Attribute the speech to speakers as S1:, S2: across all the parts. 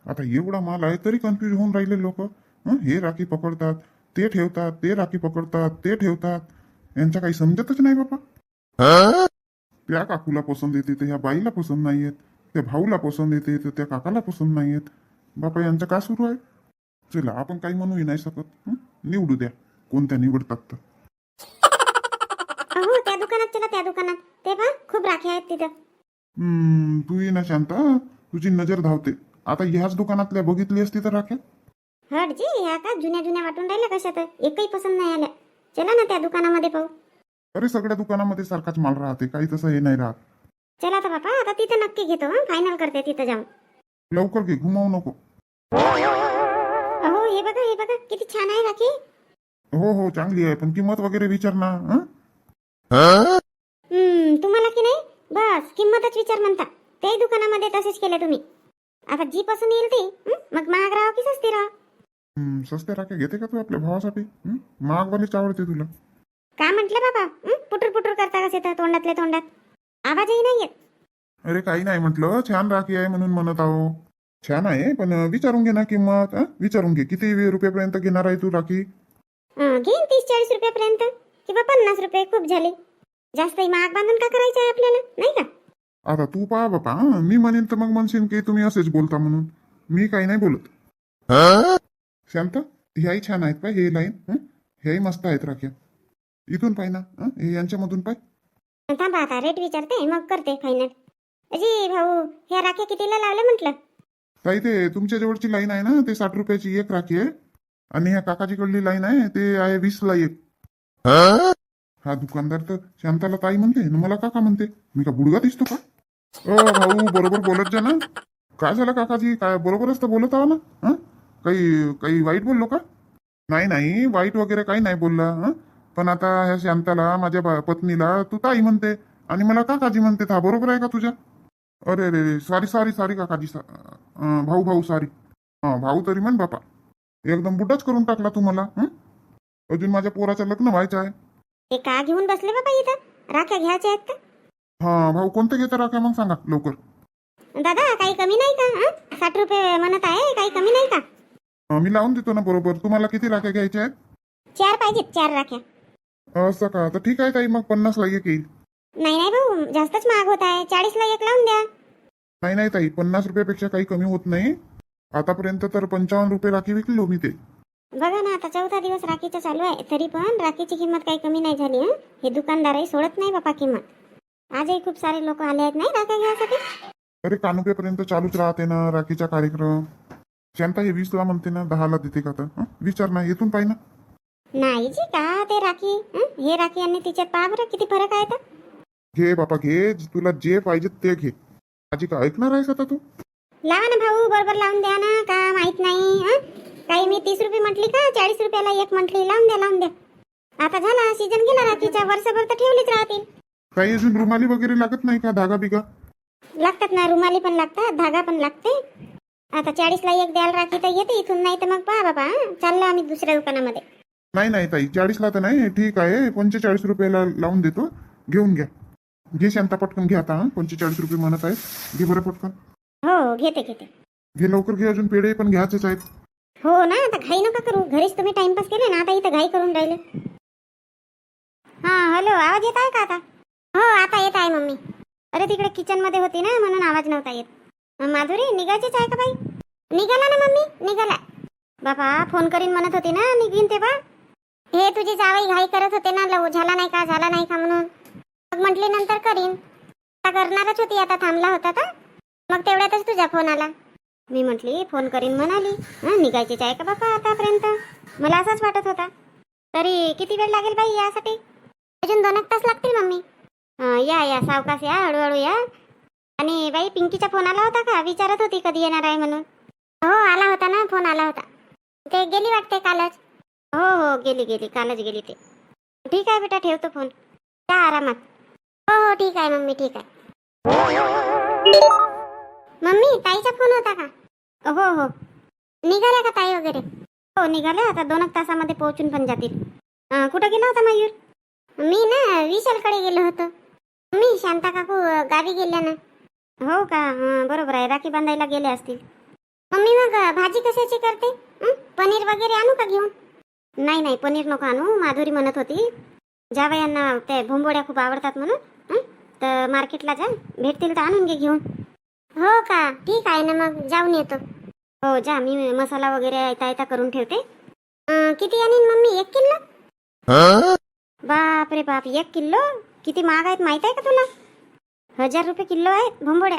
S1: आता एवढा माल आहे तरी कन्फ्युज होऊन राहिले लोक. हे राखी पकडतात, ते ठेवतात, ते राखी पकडतात, ते ठेवतात. यांचं काही समजतच नाही बाबा. त्या काकूला पसंत येते तर ह्या बाईला पसंत नाही येत, त्या भाऊला पसंत येते तर त्या काकाला पसंत नाही येत. बापा यांचं का सुरू आहे? चला आपण काही म्हणूही नाही शकत. निवडू द्या कोणत्या निवडतात तर.
S2: अहो त्या दुकानात चला, त्या दुकानात ते पहा खूप राखी आहेत तिथं.
S1: तू ये ना शांता, तुझी नजर धावते. आता ह्याच दुकानातल्या बघितली असती तर राख्या.
S2: हटजी, ह्या का जुन्या जुन्या वाटून राहिल्या कशात, एकही पसंत नाही आल्या. चला ना त्या दुकानामध्ये पाहू.
S1: अरे सगळ्या दुकानामध्ये सारखाच माल राहते, काही तसं हे नाही राहत.
S2: चला तर बापा, आता तिथं नक्की घेतो. फायनल करते तिथं जाऊन.
S1: लवकर घे, घुमावू नको.
S2: अहो हे बघा किती छान आहे राखी.
S1: हो हो चांगली आहे, पण किंमत वगैरे विचार ना.
S2: तुम्हाला की नाही बस किंमतच विचार म्हणता. त्याही दुकानामध्ये तसेच केले तुम्ही. आता जी पसंत येईल ती मग महाग राहा की सस्ती राहा.
S1: सस्त्या राख्या घेते का तू आपल्या भावासाठी? महागवालीच आवडते तुला?
S2: काय म्हटलं बाबा? पुटूर पुटूर करता कसे तर तोंडातले तोंडात आवाजही नाही येत.
S1: अरे काही नाही म्हटलं, छान राखी आहे म्हणून म्हणत आहो. छान आहे पण विचारून घे ना किंमत. विचारून घे किती रुपयापर्यंत घेणार आहे तू राखी?
S2: घेईन 30-40 रुपयापर्यंत किंवा 50 रुपये. खूप झाले. जास्तही महाग बांधून का करायचं आहे आपल्याला, नाही का?
S1: आता तू पहा बापा, मी म्हणेन तर मग म्हणशील की तुम्ही असेच बोलता म्हणून. मी काही नाही बोलत. शांत, ह्याही छान आहेत पाय, हे लाईन ह्याही मस्त आहेत राख्या. इथून पाय ना, हे यांच्यामधून पाय.
S2: थांबा आता रेट विचारते मग करते फायनल. अजी भाऊ, ह्या राख्या कितीला लावल्या म्हटलं?
S1: ताई ते तुमच्या जवळची लाईन आहे ना, ते 60 रुपयाची एक राखी आहे. आणि ह्या काकाजीकडली लाईन आहे ते आहे 20 ला एक. हा दुकानदार तर शांताला ताई म्हणते न मला काका म्हणते. मी का बुडगा दिसतो का? भाऊ बरोबर बोलत जा ना. काय झालं काकाजी? काय बरोबरच तर बोलत आहो ना. काही काही वाईट बोललो का? नाही नाही, वाईट वगैरे काही नाही बोलला. पण आता ह्या शांताला, माझ्या पत्नीला तू ताई म्हणते आणि मला काकाजी म्हणते. हा बरोबर आहे का तुझ्या? अरे रे, सॉरी सॉरी सॉरी काकाजी. भाऊ भाऊ सॉरी. भाऊ तरी म्हण बापा. एकदम बुड्डाच करून टाकला तू मला. अजून माझ्या पोराचं लग्न व्हायचं आहे.
S2: हे का घेऊन बसले बाबा इथं? राख्या घ्यायच्या आहेत का?
S1: भाऊ कोणते घेता राख्या मग सांगा लवकर.
S2: दादा काही कमी नाही का? 60 रुपये म्हणत आहे, काही कमी नाही का?
S1: मी लावून देतो ना बरोबर. तुम्हाला किती राख्या घ्यायच्या आहेत?
S2: 4 पाहिजेत, 4 राख्या.
S1: असं का? तर ठीक आहे ताई, मग 50 ला एक येईल.
S2: नाही नाही भाऊ, जास्तच महाग होत आहे. 40 ला एक लावून द्या.
S1: नाही नाही ताई, 50 रुपयापेक्षा काही कमी होत नाही. आतापर्यंत तर 55 रुपये राखी विकलो मी ते.
S2: बघा ना, आता 4था दिवस राखीचा चालू आहे, तरी पण राखीची किंमत काही कमी नाही झाली. हे दुकानदारही सोडत नाही बापा किंमत. आजही खूप सारे लोक आले आहेत नाही राख्या घ्यायसाठी.
S1: अरे कानुपेपर्यंत चालूच राहते ना राखीचा कार्यक्रम. शांता हे 20 ला म्हणते ना, 10 ला देते का? तर विचार ना, येथून पाहि ना.
S2: नाही जी का ते राखी, हे राखी आणि तिच्यात पहा बरं किती फरक आहे तर.
S1: घे बापा घे, तुला जे पाहिजे ते घे. माझी का ऐकणार आहेस आता तू?
S2: लावा ना भाऊ, बरोबर लावून द्या ना. का माहित नाही काही मी 30 रुपये म्हटली का 40 रुपयाला एक म्हटली? लावून द्या लावून द्या. आता झाला सीजन गेला राखीचा, वर्षभर तर ठेवलीच राहतील.
S1: काही अजून रुमाली वगैरे लागत नाही का? धागा बिगा
S2: लागतात ना, रुमाली पण लागतात, धागा पण लागते. आता 40 ला एक द्याल राखी तर येते इथून, नाही तर मग पहा बाबा चाललो आम्ही दुसऱ्या दुकानामध्ये.
S1: नाही नाही ताई, 40 ला तर नाही. ठीक आहे, 45 रुपयाला लावून देतो. घेऊन घ्या. घे शांता पटकन घे आता. 45 रुपये म्हणत आहे. घे बरं पटकन.
S2: हो घेते घेते.
S1: घे लवकर घे, अजून पेढे पण घ्यायचेच आहेत.
S2: हो ना, आता घाई नका करू. घरीच तुम्ही टाइमपास केले ना, आता इथं घाई करून राहिले. हॅलो, आवाज येत आहे का आता? हो आता येत आहे मम्मी. अरे तिकडे किचन मध्ये होती ना, म्हणून आवाज नव्हता येत. माधुरी निघायचीच आहे का बाई? निघाला ना मम्मी, निघाला. बाबा फोन करीन म्हणत होती ना, निघीन तेव्हा. हे तुझी जावई घाई करत होते ना, झाला नाही का झाला नाही का म्हणून. मग म्हटली नंतर करीन. आता करणारच होती, आता थांबला होता तर मग तेवढ्यातच तुझा फोन आला. मी म्हटली फोन करीन म्हणाली. निघायचीच आहे का बापा आतापर्यंत? मला असंच वाटत होता. तरी किती वेळ लागेल बाई यासाठी? अजून 2 तास लागतील मम्मी. या या सावकाश या, हळूहळू या. आणि बाई पिंकीचा फोन आला होता का? विचारत होती कधी येणार आहे म्हणून. हो आला होता ना, फोन आला होता. ते गेली वाटते कालच. हो गेली कालच गेली ते. ठीक आहे बेटा, ठेवतो फोन. त्या आरामात. हो ठीक आहे मम्मी, ठीक आहे. मम्मी ताईचा फोन होता का? हो निघाल्या का ताई वगैरे? हो निघाल्या, आता 2 तासामध्ये पोहोचून पण जातील. कुठं गेला होता मयूर? मी ना विशालकडे गेलो होतो. मी शांता काकू गावी गेल्या ना. हो का? बरोबर आहे, राखी बांधायला गेले असतील. मम्मी मग भाजी कशाची करते? पनीर वगैरे आणू का घेऊन? नाही नाही, पनीर नको आणू. माधुरी म्हणत होती जावयांना ते भोंबोड्या खूप आवडतात म्हणून. तर मार्केटला जा, भेटतील तर आणून घे घेऊन. हो का, ठीक आहे ना, मग जाऊन येतो. हो जा, मी मसाला वगैरे आयता करून ठेवते. किती आणीन मम्मी? 1 किलो? बाप रे बाप, 1 किलो? किती महाग आहेत माहित आहे का तुला? 1000 रुपये किलो आहेत भोंबोड्या.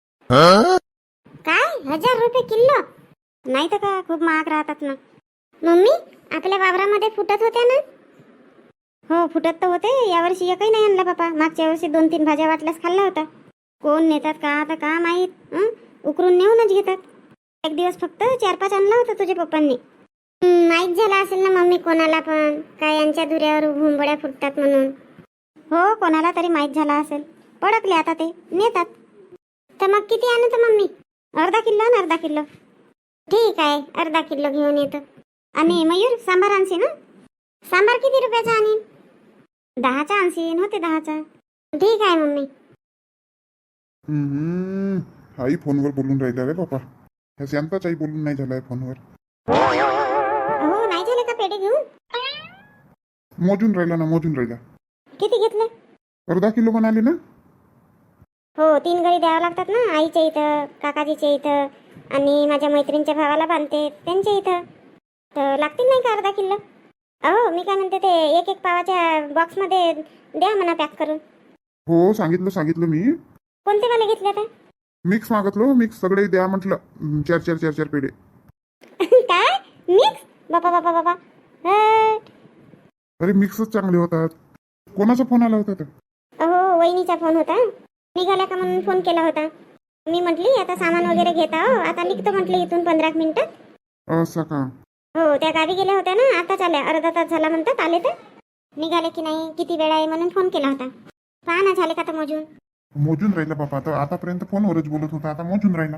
S2: काय 1000 रुपये किलो? नाही तर का, खूप महाग राहतात ना. मम्मी, आपल्या वावरामध्ये फुटत होत्या ना? हो फुटत तर होते. यावर्षी एकही नाही आणला बापा. मागच्या वर्षी 2-3 भाज्या वाटल्यास खाल्ला होता. कोण नेतात का आता का माहीत. उकरून नेऊनच घेतात. एक दिवस फक्त 4-5 आणला होता तुझ्या पप्पांनी. माहीत झाला असेल ना मम्मी कोणाला पण, काय यांच्या धुऱ्यावर भुंबड्या फुटतात म्हणून. हो कोणाला तरी माहीत झाला असेल. पडकले आता ते नेतात. तर मग किती आणू तर मम्मी? अर्धा किलो ना, अर्धा किलो. ठीक आहे, अर्धा किलो घेऊन येतो. आणि मयूर, सांबार आणशील ना? सांबार किती रुपयाचा आणीन? 10चा आणशील? होते 10चा. ठीक आहे मम्मी.
S1: आई फोनवर बोलून राहिला रे बापा. ह्या शांताच आई बोलून नाही झालाय फोनवर.
S2: हो नाही झाले का पेढे घेऊन?
S1: मोजून राहिला ना, मोजून राहिला.
S2: किती घेतले?
S1: अर्धा किलो म्हणाले ना.
S2: हो 3 गळी द्यावं लागतात ना, आईच्या इथं, काकाजीच्या इथं आणि माझ्या मैत्रिणीच्या भावाला बांधते त्यांच्या इथं. तर लागतील नाही का अर्धा किलो? अहो मी काय म्हणते, ते एक पावाच्या बॉक्समध्ये द्या म्हणा पॅक करून.
S1: हो सांगितलं मी.
S2: कोणते वाले घेतले आता?
S1: मिक्स मागितलो, मिक्स सगळे द्या म्हटलं. 4 पेढे.
S2: काय मिक्स? बापा बापा बापा.
S1: अरे मिक्सच चांगले होतात. कोणाचा फोन आला होता तर?
S2: अहो वहिनीचा फोन होता. निघाला का म्हणून फोन केला होता. मी म्हटली आता सामान वगैरे घेता हो, आता निघतो म्हटली इथून 15 मिनिटात.
S1: असं का?
S2: हो त्या गावी गेल्या होत्या ना, आताच आल्या. अर्धा तास झाला म्हणतात आले. तर निघाले की नाही, किती वेळ आहे म्हणून फोन केला होता. पहा ना झाले का तर
S1: मोजून राहिला बापा. आता आतापर्यंत फोनवरच बोलत होता, आता मोजून राहिला.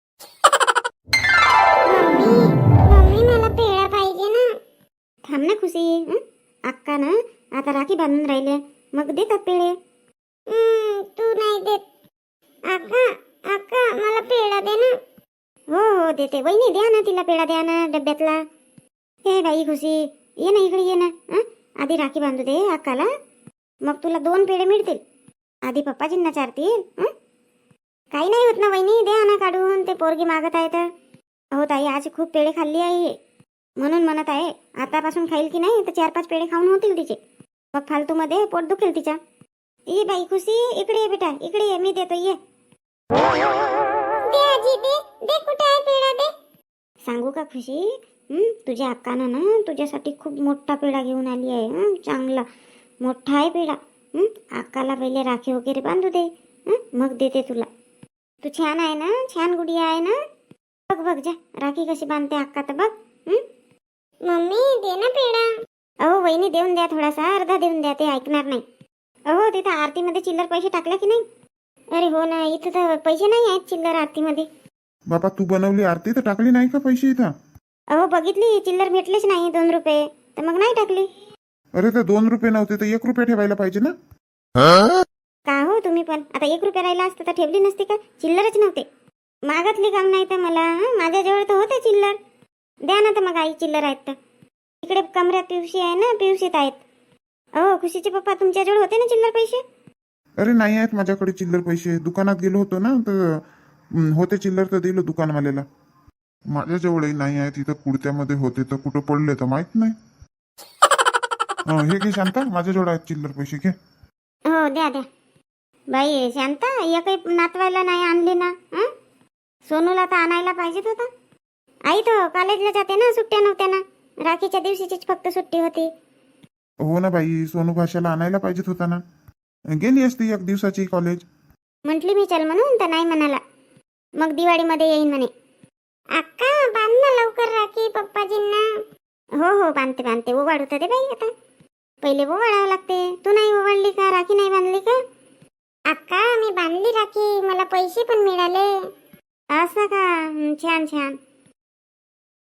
S2: मम्मी मला पेढा पाहिजे ना. थांब ना खुशी. अक्का ना आता राखी बांधून राहिले, मग देतात पेढे. तू नाही देत. अक्का मला पेढा दे ना. हो देते. वहिनी द्या ना तिला पेढा, द्या ना डब्यातला. हे बाई खुशी, ये ना इकडे, ये ना. आधी राखी बांधू दे अक्काला, मग तुला 2 पेढे मिळतील. आधी पप्पाजींना चारतील. काही नाही होत ना वहिनी, द्या ना काढून. ते पोरगी मागत आहे तर. हो ताई, आज खूप पेढे खाल्ली आहे म्हणून म्हणत आहे. आतापासून खाईल की नाही तर 4-5 पेढे खाऊन होतील तिचे. मग फालतू मध्ये पोट दुखेल तिच्या. ये बाई खुशी, इकडे ये बेटा, इकडे ये, मी देतो, ये. दे आजी, दे कुठे आहे पेढा, दे. सांगू का खुशी, तुझ्या अक्कानं ना तुझ्यासाठी खूप मोठा पेढा घेऊन आली आहे. चांगला मोठा आहे पेढा. अक्काला पहिले राखी वगैरे बांधू दे, मग देते तुला. तू छान आहे ना, छान गुडिया आहे ना. बघ जा राखी कशी बांधते अक्का तर बघ. मम्मी दे ना पेढा. अहो वहिनी देऊन द्या, थोडासा अर्धा देऊन द्या, ते ऐकणार नाही. अहो तिथं आरतीमध्ये चिल्लर पैसे टाकले की नाही? अरे हो ना, इथं तर पैसे नाही आहेत चिल्लर आरतीमध्ये.
S1: बाबा तू बनवली आरती तर टाकली नाही का पैसे इथं?
S2: अहो बघितली, चिल्लर भेटलेच नाही. 2 रुपये तर मग नाही टाकली.
S1: अरे ते 2 रुपये नव्हते तर 1 रुपये ठेवायला पाहिजे ना.
S2: का हो तुम्ही पण, आता 1 रुपया राहिला असतं तर ठेवली नसती का? चिल्लरच नव्हते. मागतली काम नाही तर मला. माझ्याजवळ तर होते चिल्लर. द्या ना तर मग आई, चिल्लर आहेत तर. इकडे कमऱ्यात पिवशी आहे ना, पिवशीत आहेत. अहो खुशीचे पप्पा, तुमच्याजवळ होते ना चिल्लर पैसे?
S1: अरे नाही आहेत माझ्याकडे चिल्लर पैसे. दुकानात गेलो होतो ना तर होते चिल्लर तर दिलं दुकानवाल्याला. माझ्याजवळही नाही आहेत. इथं कुडत्यामध्ये होते तर कुठं पडले तर माहित नाही. हे घे शांता, माझ्याजवळ आहेत चिल्लर पैसे, घे.
S2: हो द्या द्या. बाई शांता, एकही नातवायला नाही आणली ना. सोनूला तर आणायला पाहिजेत होता. आई तो कॉलेजला जाते ना, सुट्ट्या नव्हत्या ना. राखीच्या दिवशीचीच फक्त सुट्टी होती.
S1: हो ना बाई, सोनू भाषाला आणायला पाहिजेत होता ना. गेली असती 1 दिवसाची कॉलेज.
S2: म्हटली मी चल म्हणून, तर नाही म्हणाला. मग दिवाळीमध्ये येईन म्हणे. अक्का बांध ना लवकर राखी पप्पाजींना. हो बांधते. ओवाळू तर दे बाई आता. पहिले ओवाळावं लागते. तू नाही ओवाळली का? राखी नाही बांधली का? अक्का मी बांधली राखी, मला पैसे पण मिळाले. असं का? छान.